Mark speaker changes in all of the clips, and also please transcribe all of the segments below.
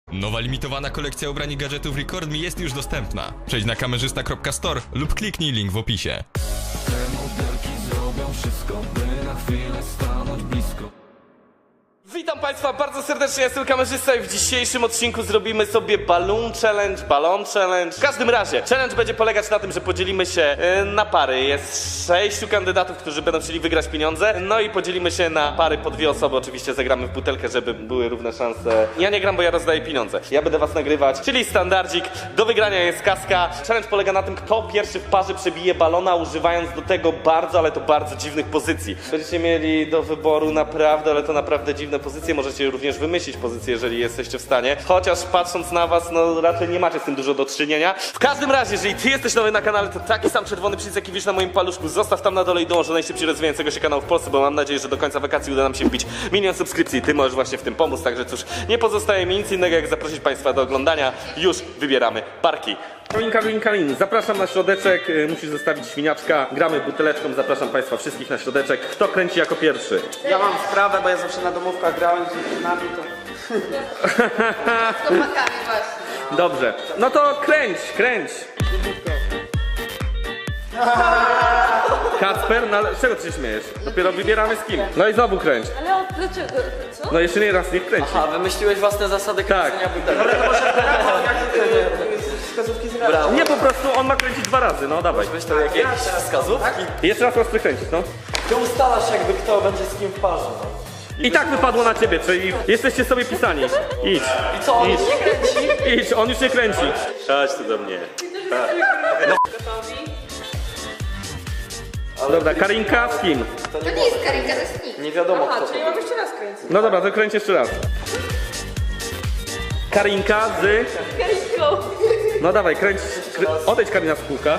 Speaker 1: Nowa limitowana kolekcja ubrań i gadżetów Record Me jest już dostępna. Przejdź na kamerzysta.store lub kliknij link w opisie.
Speaker 2: Te modelki zrobią wszystko, by na chwilę stanąć blisko.
Speaker 3: Witam Państwa bardzo serdecznie, jestem kamerzysta i w dzisiejszym odcinku zrobimy sobie balloon challenge. W każdym razie, challenge będzie polegać na tym, że podzielimy się na pary. Jest 6 kandydatów, którzy będą chcieli wygrać pieniądze. No i podzielimy się na pary po 2 osoby. Oczywiście zagramy w butelkę, żeby były równe szanse. Ja nie gram, bo ja rozdaję pieniądze. Ja będę was nagrywać, czyli standardzik. Do wygrania jest kaska. Challenge polega na tym, kto pierwszy w parze przebije balona, używając do tego bardzo, ale to bardzo dziwnych pozycji. Będziecie mieli do wyboru naprawdę, ale to naprawdę dziwne pozycje, możecie również wymyślić pozycję, jeżeli jesteście w stanie. Chociaż patrząc na was, no raczej nie macie z tym dużo do czynienia. W każdym razie, jeżeli ty jesteś nowy na kanale, to taki sam czerwony przycisk, jaki widzisz na moim paluszku, zostaw tam na dole i dołącz do najszybciej rozwijającego się kanału w Polsce, bo mam nadzieję, że do końca wakacji uda nam się wbić 1 000 000 subskrypcji. Ty możesz właśnie w tym pomóc, także cóż, nie pozostaje mi nic innego, jak zaprosić Państwa do oglądania. Już wybieramy parki. Kalin, zapraszam na środeczek, musisz zostawić świniaczka, gramy buteleczką, zapraszam Państwa wszystkich na środeczek. Kto kręci jako pierwszy?
Speaker 4: Ja mam sprawę, bo ja zawsze na domówkach grałem z dziewczynami, to...
Speaker 5: Z chłopakami właśnie.
Speaker 3: Dobrze, no to kręć. Kacper, no ale z czego ty się śmiejesz? Dopiero wybieramy z kim. No i znowu kręć.
Speaker 5: Ale dlaczego? Co?
Speaker 3: No jeszcze nie raz niech kręci.
Speaker 4: A, wymyśliłeś własne zasady kręcenia butelek. Ale to może wskazówki z brawo.
Speaker 3: Nie, po prostu on ma kręcić 2 razy, no dawaj.
Speaker 4: Weź to jakieś wskazówki.
Speaker 3: Jeszcze raz ostry kręcić, no.
Speaker 4: Ty ustalasz jakby kto będzie z kim w parze. No.
Speaker 3: I tak wypadło na ciebie, czyli jesteście sobie pisani. Idź.
Speaker 4: I co, on już nie kręci?
Speaker 3: Idź, on już nie kręci.
Speaker 6: Chodź tu do mnie.
Speaker 3: Dobra, Karinka z kim?
Speaker 5: To nie jest Karinka, to jest nikt.
Speaker 4: Nie wiadomo kto to.
Speaker 5: mam jeszcze raz kręcić.
Speaker 3: No dobra, to kręć jeszcze raz. Karinka z...
Speaker 5: Karinką.
Speaker 3: No dawaj, kręć. Odejdź Karina z kółka.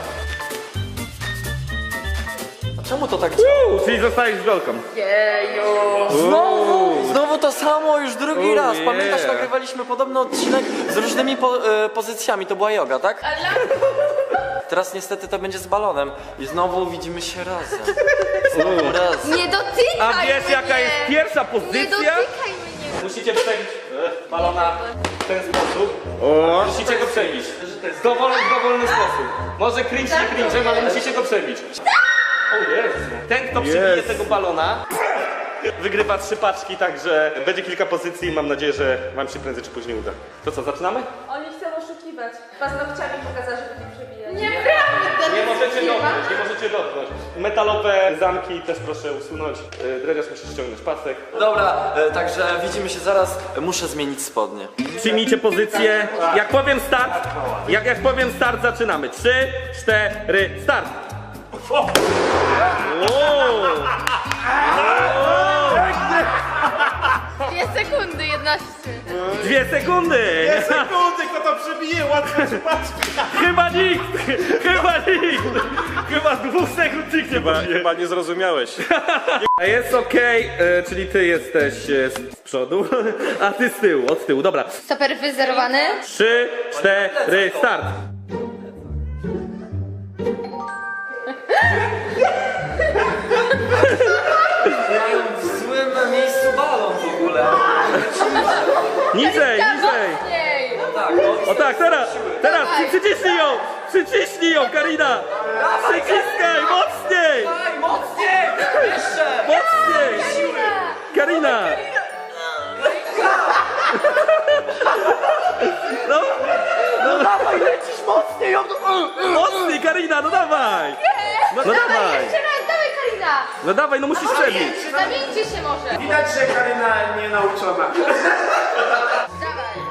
Speaker 4: A czemu to tak działa?
Speaker 3: Czyli zostajesz z Wiolką.
Speaker 5: Jeju.
Speaker 4: Znowu to samo, już drugi raz.
Speaker 3: nie.
Speaker 4: Pamiętasz, nagrywaliśmy podobny odcinek z różnymi pozycjami, to była joga, tak?
Speaker 5: Ale
Speaker 4: Teraz niestety to będzie z balonem i znowu widzimy się razem. Razem.
Speaker 5: nie dotykaj
Speaker 3: A wiesz
Speaker 5: mnie.
Speaker 3: jaka jest pierwsza
Speaker 5: Nie
Speaker 3: pozycja?
Speaker 5: dotykaj mnie.
Speaker 3: Musicie przebić balona w ten sposób. Musicie go przebić. W dowolny sposób. Może cringe nie cringe, ale musicie go przebić. O Jezu. Ten, kto przebije tego balona, wygrywa 3 paczki, także będzie kilka pozycji i mam nadzieję, że wam się prędzej czy później uda. To co, zaczynamy?
Speaker 7: Oni chcą oszukiwać. Paznokciami pokazać, żeby nie przebijać.
Speaker 5: Nieprawda.
Speaker 3: Nie możecie dotknąć. Metalowe zamki też proszę usunąć. Dredziarz musi ściągnąć pasek.
Speaker 4: Dobra, także widzimy się zaraz. Muszę zmienić spodnie.
Speaker 3: Przyjmijcie pozycję. Jak powiem start, jak powiem start, zaczynamy. 3, 4, start! Wow.
Speaker 5: 2 sekundy, 11.
Speaker 3: 2 sekundy!
Speaker 6: 2 sekundy, kto to przebije, łatwo się patrzy.
Speaker 3: Chyba nikt! Chyba 2 sekund nikt nie powie.
Speaker 6: Chyba nie zrozumiałeś.
Speaker 3: Jest okej, czyli ty jesteś z przodu, a ty z tyłu, od tyłu. Dobra.
Speaker 5: Stoper wyzerowany.
Speaker 3: 3, 4, start!
Speaker 4: Mają w złym miejscu balon w ogóle.
Speaker 3: Niżej!
Speaker 5: Mocniej.
Speaker 4: Tak,
Speaker 3: O tak, teraz! Przyciśnij ją, Karina! Przyciskaj, mocniej!
Speaker 4: Daj, mocniej! Jeszcze!
Speaker 3: Mocniej! Karina!
Speaker 4: No dawaj, lecisz mocniej!
Speaker 3: Mocniej, Karina, no dawaj! No dawaj!
Speaker 5: Jeszcze raz, dawaj Karina.
Speaker 3: No dawaj, no musisz przebić!
Speaker 5: Zamieńcie się może.
Speaker 6: Widać, że Karyna nie nauczona.
Speaker 5: Dawaj.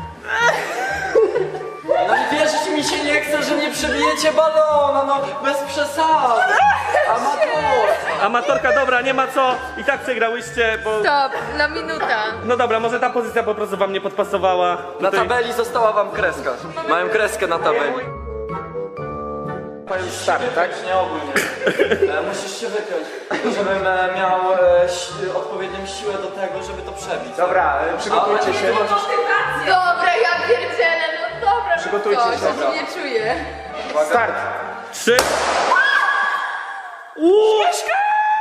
Speaker 4: No i wierzyć mi się nie chce, że nie przebijecie balona, no bez przesady.
Speaker 3: Amatorka, dobra, nie ma co. I tak przegrałyście, bo...
Speaker 5: Stop, na minuta.
Speaker 3: No dobra, może ta pozycja po prostu wam nie podpasowała.
Speaker 4: Na
Speaker 3: Tutaj-
Speaker 4: tabeli została wam kreska. Mają kreskę na tabeli.
Speaker 6: Powiem start, tak?
Speaker 4: Nie ogólnie. Musisz się wykręć, żebym miał odpowiednią siłę do tego, żeby to przebić.
Speaker 6: Dobra, przygotujcie się.
Speaker 5: Dobra, ja pierdzielę, no dobra.
Speaker 6: Przygotujcie się,
Speaker 5: Ja
Speaker 6: dobra.
Speaker 5: się nie czuję.
Speaker 6: Start.
Speaker 3: 3.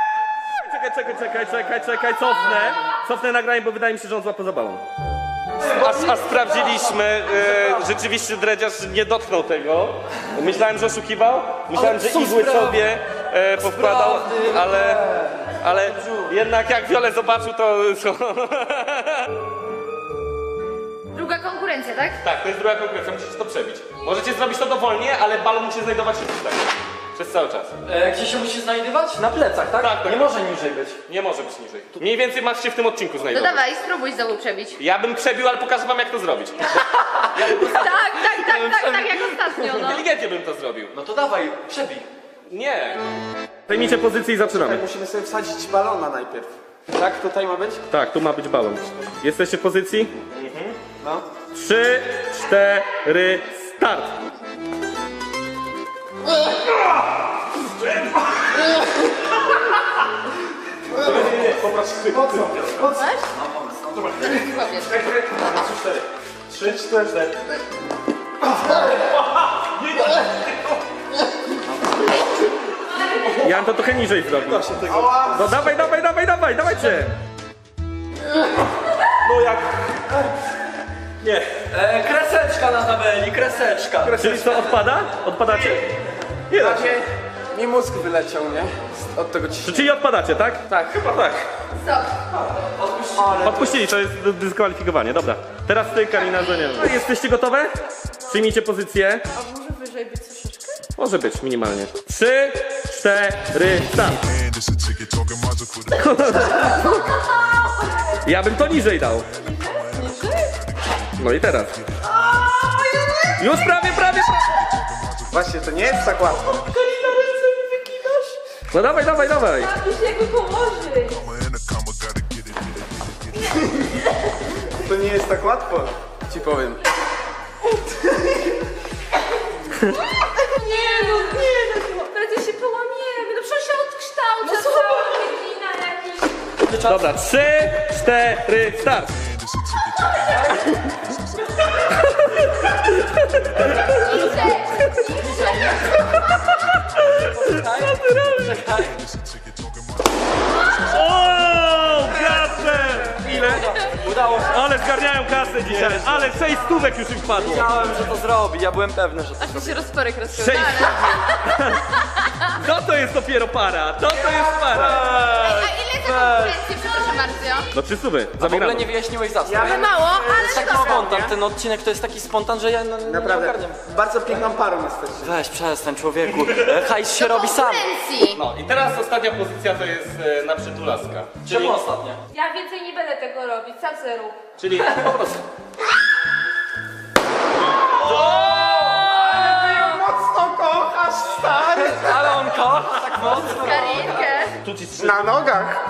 Speaker 3: Czekaj, cofnę nagranie, bo wydaje mi się, że on złapał za balon. a sprawdziliśmy, rzeczywiście dredziarz nie dotknął tego. Myślałem, że oszukiwał, myślałem, że igły sobie powkładał, ale jednak jak Wiole zobaczył, to...
Speaker 5: Druga konkurencja, tak?
Speaker 3: Tak, to jest druga konkurencja, musisz to przebić. Możecie zrobić to dowolnie, ale balon musi znajdować się tutaj. Przez cały czas.
Speaker 4: Gdzie się musi znajdować? Na plecach, tak?
Speaker 3: Tak, tak.
Speaker 4: Nie może niżej być.
Speaker 3: Nie może być niżej. Mniej więcej masz się w tym odcinku
Speaker 5: To
Speaker 3: znajdować.
Speaker 5: dawaj, spróbuj znowu przebić.
Speaker 3: Ja bym przebił, ale pokażę wam jak to zrobić.
Speaker 5: Tak, jak ostatnio, no.
Speaker 3: Inteligentnie bym to zrobił.
Speaker 4: No to dawaj, przebij.
Speaker 3: Nie. Zajmijcie pozycję i zaczynamy.
Speaker 6: Musimy sobie wsadzić balona najpierw. Tak? Tutaj ma być?
Speaker 3: Tak, tu ma być balon. Jesteście w pozycji?
Speaker 6: No.
Speaker 3: 3, 4, start!
Speaker 6: Trzy, cztery.
Speaker 3: Ja bym to trochę niżej zrobił. No dawajcie! No jak... Nie.
Speaker 4: Kreseczka na tabeli, kreseczka.
Speaker 3: Czyli co, odpada? Odpadacie? Nie da się.
Speaker 6: Mi mózg wyleciał, nie? Od tego ciśnienia.
Speaker 3: Czyli odpadacie, tak?
Speaker 6: Tak.
Speaker 3: Chyba tak. Odpuścili, to jest dyskwalifikowanie, dobra. Teraz ty, Karina, że nie wiem. No, jesteście gotowe? Przyjmijcie pozycję.
Speaker 7: A może wyżej być troszeczkę?
Speaker 3: Może być, minimalnie. 3, 4, start. Ja bym to niżej dał. No i teraz. Już prawie.
Speaker 6: Właśnie, to nie jest tak łatwo.
Speaker 3: No dawaj.
Speaker 7: Już jakby położyć.
Speaker 6: To nie jest tak łatwo. Ci powiem.
Speaker 7: Nie, prędzej się połamiemy. No przecież się odkształca cała wygina jakiś.
Speaker 3: Dobra, 3, 4, start. O, kasę! Ile?
Speaker 4: Udało się.
Speaker 3: Ale zgarniają kasę dzisiaj, ale 6 stówek już im wpadło.
Speaker 4: Wiedziałem, że to zrobi, ja byłem pewny, że to
Speaker 5: Aż mi się rozporek
Speaker 3: 6
Speaker 5: rozpełnił.
Speaker 3: To jest dopiero para, to jest para.
Speaker 5: A ile za konkurencję, przepraszam bardzo?
Speaker 3: No 3 stówy,
Speaker 4: w ogóle
Speaker 3: zabieramy.
Speaker 4: nie wyjaśniłeś zasad.
Speaker 7: Ale mało,
Speaker 4: To jest
Speaker 7: ale
Speaker 4: taki
Speaker 7: dobra.
Speaker 4: spontan, ten odcinek to jest taki spontan, że ja nie
Speaker 6: Naprawdę.
Speaker 4: ogarniam.
Speaker 6: Bardzo piękną parą jesteście.
Speaker 4: Weź, przestań człowieku, hajs się robi sam.
Speaker 5: Konkurencji.
Speaker 3: No i teraz ostatnia pozycja to jest na przytulaska.
Speaker 4: Czemu ostatnia?
Speaker 7: Ja więcej nie będę tego robić, sam se rób.
Speaker 3: Czyli po prostu.
Speaker 6: Mocno kochasz, stary!
Speaker 4: Ale on kocha tak mocno.
Speaker 5: Karinkę.
Speaker 3: Tu ci 3.
Speaker 6: Na nogach!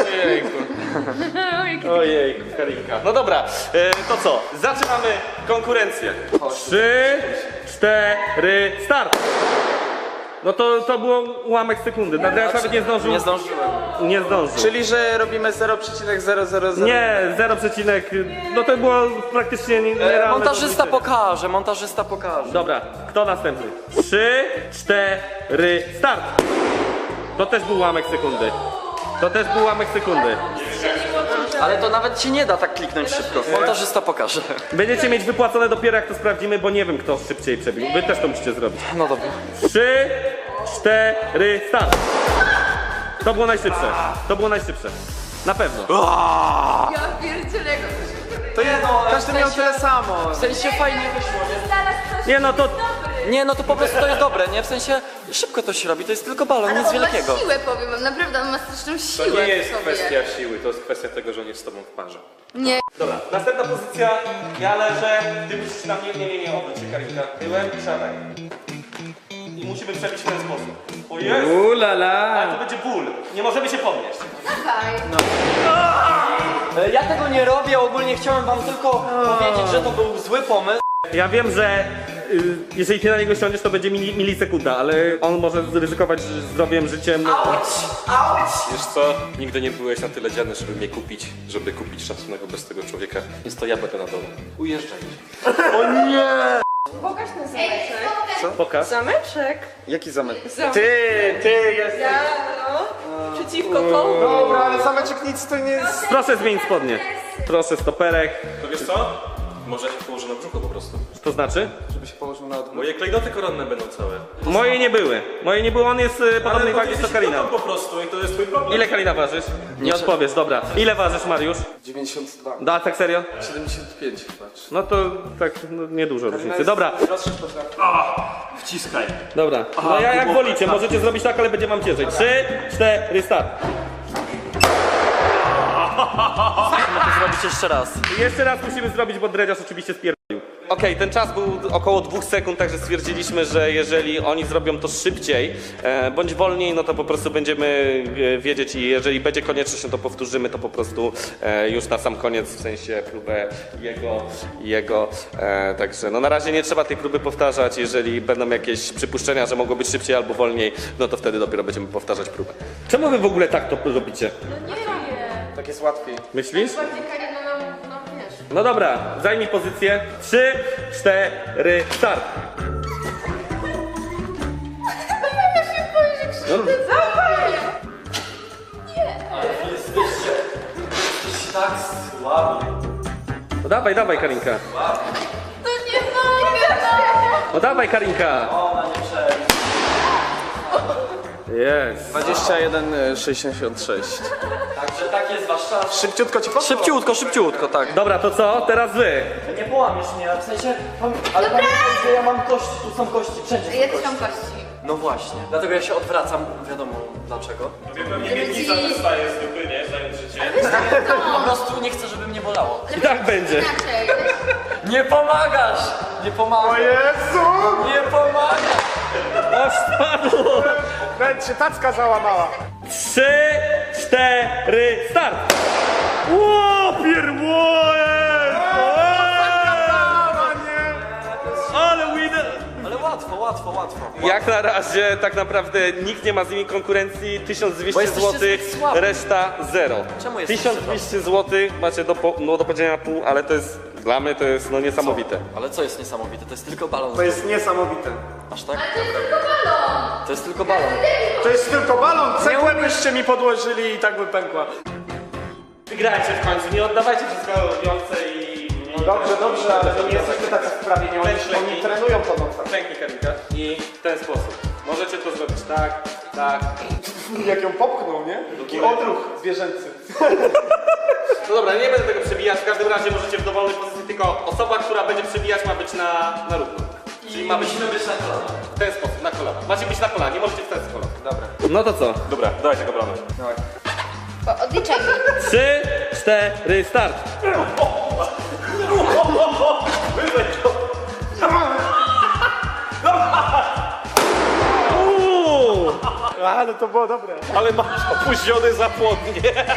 Speaker 3: Ojejku, Karinka. No dobra, to co? Zaczynamy konkurencję. 3, 4, start! No to było ułamek sekundy. Nadal nawet nie zdążył.
Speaker 4: Nie zdążyłem.
Speaker 3: Nie zdążył.
Speaker 6: Czyli, że robimy 0,000.
Speaker 3: Nie, 0, no to było praktycznie nierealne.
Speaker 4: Montażysta
Speaker 3: do
Speaker 4: montażysta pokaże.
Speaker 3: Dobra, kto następny? 3, 4, start! To też był ułamek sekundy.
Speaker 4: Ale to nawet ci nie da tak kliknąć szybko. Montażysta pokaże.
Speaker 3: Będziecie mieć wypłacone dopiero jak to sprawdzimy, bo nie wiem kto szybciej przebił. Wy też to musicie zrobić.
Speaker 4: No dobra.
Speaker 3: 3, 4, start! To było najszybsze. Na pewno.
Speaker 5: Ja pierdzielę, jak
Speaker 6: To jedno, każdy miał tyle samo.
Speaker 4: W sensie fajnie wyszło, nie?
Speaker 7: Znalazł coś
Speaker 3: Nie no to...
Speaker 4: Nie, no to po prostu to jest dobre, nie? W sensie szybko to się robi, to jest tylko balon, nic
Speaker 5: on ma
Speaker 4: wielkiego.
Speaker 5: siłę, powiem wam, naprawdę, on ma straszną siłę w sobie.
Speaker 1: siły, to jest kwestia tego, że on jest z tobą w parze.
Speaker 5: Nie.
Speaker 3: Dobra, następna pozycja. Ja leżę, ty musisz na mnie, nie, obróć się Karinka. Tyłem i siadaj. I musimy przebić w ten sposób. O Jezu! Ale to będzie ból. Nie możemy się podnieść.
Speaker 5: Dawaj.
Speaker 4: Ja tego nie robię, ogólnie chciałem wam tylko powiedzieć, że to był zły pomysł.
Speaker 3: Ja wiem, że jeżeli ty na niego siądziesz, to będzie milisekunda, ale on może zryzykować zdrowiem, życiem.
Speaker 1: Wiesz co? Nigdy nie byłeś na tyle dziany, żeby kupić szacunek bez tego człowieka, więc to ja będę na dole. Ujeżdżaj.
Speaker 7: Pokaż ten zameczek.
Speaker 3: Pokaż.
Speaker 7: Zameczek?
Speaker 6: Jaki zamek?
Speaker 7: Ty
Speaker 6: jesteś.
Speaker 7: Ja, no. Przeciwko komu?
Speaker 6: Dobra, ale zameczek nic to nie jest.
Speaker 3: Proszę zmienić spodnie. Proszę stoperek.
Speaker 1: To wiesz co? Może się położy na brzuchu po prostu.
Speaker 3: To znaczy?
Speaker 6: Żeby się położył na odwrót.
Speaker 1: Moje klejnoty koronne będą całe.
Speaker 3: Moje nie były. Moje nie były, on jest podobnej wagi co Karina.
Speaker 1: po prostu i to jest twój problem.
Speaker 3: Ile Karina ważysz? Nie odpowiesz, dobra. Ile ważysz, Mariusz?
Speaker 6: 92.
Speaker 3: Da, tak serio?
Speaker 6: 75 patrz.
Speaker 3: No to tak, no, niedużo różnicy. Dobra,
Speaker 1: Wciskaj.
Speaker 3: dobra. No ja jak wolicie, możecie zrobić tak, ale będzie wam ciężej. 3, 4, start.
Speaker 4: Musimy to zrobić jeszcze raz.
Speaker 3: I jeszcze raz musimy zrobić, bo dredziarz oczywiście spierdolił. Okej, ten czas był około 2 sekund, także stwierdziliśmy, że jeżeli oni zrobią to szybciej bądź wolniej, no to po prostu będziemy wiedzieć i jeżeli będzie konieczność, no to powtórzymy to po prostu już na sam koniec, w sensie próbę jego. Także no na razie nie trzeba tej próby powtarzać, jeżeli będą jakieś przypuszczenia, że mogło być szybciej albo wolniej, no to wtedy dopiero będziemy powtarzać próbę. Czemu wy w ogóle tak to robicie?
Speaker 7: No nie robię.
Speaker 6: Tak jest łatwiej.
Speaker 3: Myślisz?
Speaker 7: Bardziej Karina nam wiesz.
Speaker 3: No dobra, zajmij pozycję. 3, 4, start.
Speaker 7: Ja się boję, że krzywdę zrobię.
Speaker 4: Jesteście tak słabi.
Speaker 3: No dawaj, Karinka.
Speaker 7: To nie mogę, no.
Speaker 3: No dawaj, Karinka.
Speaker 4: Ona nie przejdzie.
Speaker 3: Jest.
Speaker 6: 21,66.
Speaker 4: Także tak jest wasz czas.
Speaker 6: Szybciutko ci poszło?
Speaker 4: Szybciutko, tak.
Speaker 3: Dobra, to co? Teraz wy.
Speaker 4: Nie połamiesz mnie, w sensie... Ale pamiętaj, że ja mam kości, tu są kości, wszędzie są
Speaker 7: Ja też
Speaker 4: kości.
Speaker 7: mam kości.
Speaker 4: No właśnie, dlatego ja się odwracam, wiadomo dlaczego.
Speaker 1: Miednica wystaje z dupy, nie? Zając życie.
Speaker 4: Po prostu nie chcę, żeby mnie bolało.
Speaker 3: I tak będzie.
Speaker 7: Inaczej.
Speaker 4: Nie pomagasz! Nie pomagasz!
Speaker 6: Jezu!
Speaker 4: Nie pomagasz!
Speaker 3: O, spadło.
Speaker 6: Nawet się tacka załamała.
Speaker 3: 3, 4, start. Ło, pierwoje. Ale winner.
Speaker 4: Ale łatwo.
Speaker 3: Jak na razie tak naprawdę nikt nie ma z nimi konkurencji. 1200
Speaker 4: Bo jesteście
Speaker 3: zł,
Speaker 4: zbyt słabi.
Speaker 3: reszta 0.
Speaker 4: Czemu jesteście
Speaker 3: 1200 zł macie do podzielenia pół, ale to jest dla mnie to jest no niesamowite.
Speaker 4: Ale co jest niesamowite? To jest tylko balon.
Speaker 6: To jest niesamowite.
Speaker 4: Aż tak?
Speaker 7: To jest tylko balon.
Speaker 4: To jest tylko balon.
Speaker 6: To jest tylko balon. Cegłę byście mi podłożyli i tak by pękła.
Speaker 3: Wygrajcie w końcu, nie oddawajcie wszystkiego wiące i...
Speaker 6: Dobrze, ale to nie jesteśmy tacy wprawieni. Oni trenują po nocach.
Speaker 3: Pięknie, Karinka. I w ten sposób. Możecie to zrobić tak, tak.
Speaker 6: Jak ją popchnął, nie? Taki odruch zwierzęcy.
Speaker 3: No dobra, nie będę tego przebijać, w każdym razie możecie w dowolnej pozycji, tylko osoba, która będzie przebijać ma być na równo. Czyli ma być
Speaker 4: być na kolana.
Speaker 3: w ten sposób, na kolana. Macie być na kolanie, nie możecie w ten sposób. Dobra. No to co?
Speaker 1: Dobra, dawaj tego bramy.
Speaker 5: Odliczaj mi.
Speaker 3: 3, 4, start! Uuu,
Speaker 6: A, no to było dobre.
Speaker 3: ale masz opóźniony zapłodnie.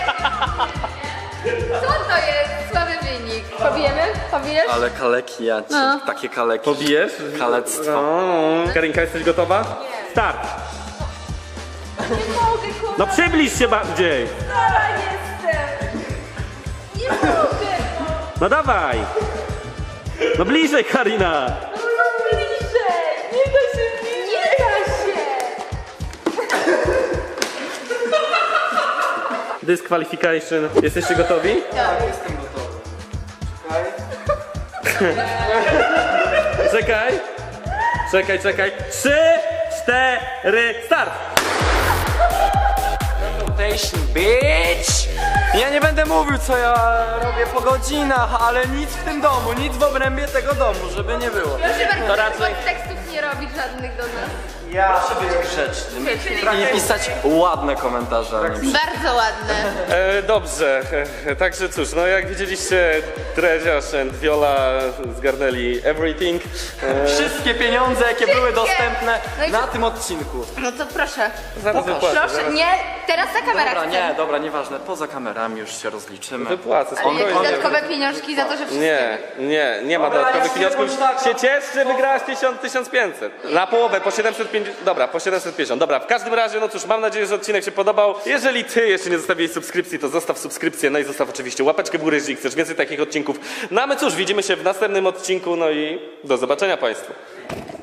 Speaker 5: Co to jest? Słaby wynik. Pobijemy? Pobijesz?
Speaker 4: Ale kaleki ja ci,
Speaker 5: No.
Speaker 4: takie kaleki.
Speaker 3: Pobijesz?
Speaker 4: Kalectwo.
Speaker 3: O, Karinka, jesteś gotowa? Start!
Speaker 7: Nie mogę, kurwa.
Speaker 3: No przybliż się bardziej!
Speaker 7: Stara jestem. Nie mogę, no.
Speaker 3: No dawaj! No bliżej, Karina!
Speaker 7: No bliżej. Nie da się bliżej. Nie da się.
Speaker 3: Disqualification. Jesteście gotowi?
Speaker 6: Jestem gotowy. Czekaj.
Speaker 3: Czekaj. 3, 4, start!
Speaker 4: Rotation, bitch! Ja nie będę mówił, co ja robię po godzinach, ale nic w tym domu, nic w obrębie tego domu, żeby nie było.
Speaker 5: Proszę bardzo,
Speaker 3: To raczej-
Speaker 5: tekstów nie robić żadnych do nas.
Speaker 6: Ja
Speaker 4: Proszę być grzecznym i pisać ładne komentarze. a nie
Speaker 5: Bardzo ładne.
Speaker 3: Dobrze, także cóż, no jak widzieliście, Dreziarz and Viola zgarnęli everything.
Speaker 4: Wszystkie pieniądze, jakie były
Speaker 5: Wszystkie.
Speaker 4: dostępne
Speaker 5: No i
Speaker 4: na
Speaker 5: co?
Speaker 4: tym odcinku.
Speaker 5: No to proszę.
Speaker 3: Zaraz wypłacę.
Speaker 5: Proszę, nie, teraz ta kamera
Speaker 4: Dobra,
Speaker 5: chce.
Speaker 4: nie, dobra, nieważne, poza kamerami już się rozliczymy.
Speaker 3: Wypłacę,
Speaker 5: Ale nie
Speaker 3: spokojnie.
Speaker 5: dodatkowe pieniążki za to, że wszystkie.
Speaker 3: Nie ma
Speaker 4: Dobra,
Speaker 3: dodatkowych
Speaker 4: ja
Speaker 3: pieniążków.
Speaker 4: się tak-
Speaker 3: Się ciesz, że wygrałaś 1500. Na połowę, po 750. Dobra, po 750. Dobra, w każdym razie, no cóż, mam nadzieję, że odcinek się podobał. Jeżeli ty jeszcze nie zostawiłeś subskrypcji, to zostaw subskrypcję, no i zostaw oczywiście łapeczkę w górę, jeżeli chcesz więcej takich odcinków. No a my cóż, widzimy się w następnym odcinku, no i do zobaczenia Państwu.